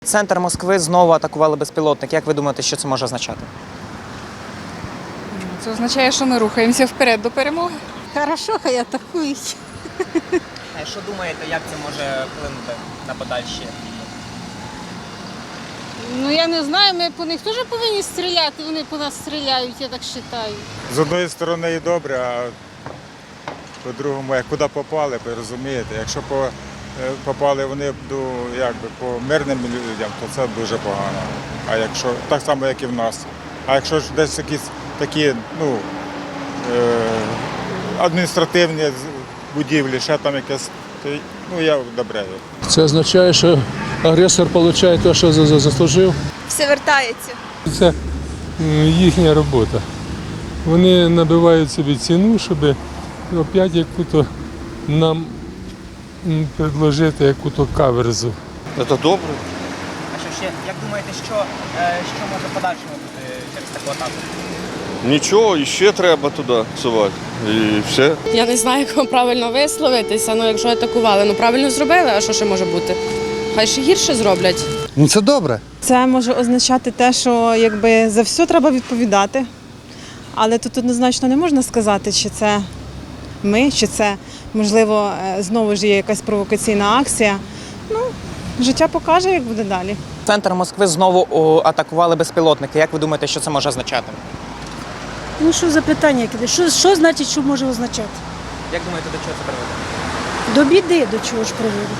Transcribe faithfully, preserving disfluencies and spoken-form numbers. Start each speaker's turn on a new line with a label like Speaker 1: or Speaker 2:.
Speaker 1: Центр Москви знову атакували безпілотник. Як ви думаєте, що це може означати?
Speaker 2: Це означає, що ми рухаємося вперед до перемоги.
Speaker 3: Хорошо, хай атакують.
Speaker 1: А що думаєте, як це може вплинути на подальші дії?
Speaker 3: Ну я не знаю, ми по них теж повинні стріляти, вони по нас стріляють, я так вважаю.
Speaker 4: З одної сторони і добре, а по-другому, як куди попали, ви розумієте, якщо по, е, попали вони до, якби, по мирним людям, то це дуже погано. А якщо, так само, як і в нас. А якщо ж десь якісь такі ну, е, адміністративні будівлі, ще там якесь, то ну, я одобряю.
Speaker 5: Це означає, що агресор отримує те, що заслужив.
Speaker 6: Все вертається.
Speaker 5: Це їхня робота. Вони набивають собі ціну, щоб опять яку-то нам предложити яку-то каверзу.
Speaker 7: Це добре.
Speaker 1: А що ще, як думаєте, що, е, що може в подальшому бути через таку атаку?
Speaker 7: Нічого, і ще треба туди сувати. І все.
Speaker 8: Я не знаю, як вам правильно висловитися, ну якщо атакували, ну правильно зробили, а що ще може бути? Хай ще гірше зроблять.
Speaker 9: Ну це добре.
Speaker 10: Це може означати те, що якби за все треба відповідати. Але тут однозначно не можна сказати, чи це ми, чи це, можливо, знову ж є якась провокаційна акція. Ну, життя покаже, як буде далі.
Speaker 1: Центр Москви знову о, атакували безпілотники. Як ви думаєте, що це може означати?
Speaker 11: Ну що за питання? Що, що значить, що може означати?
Speaker 1: Як думаєте, до чого це приведе?
Speaker 11: До біди до чого ж приводить?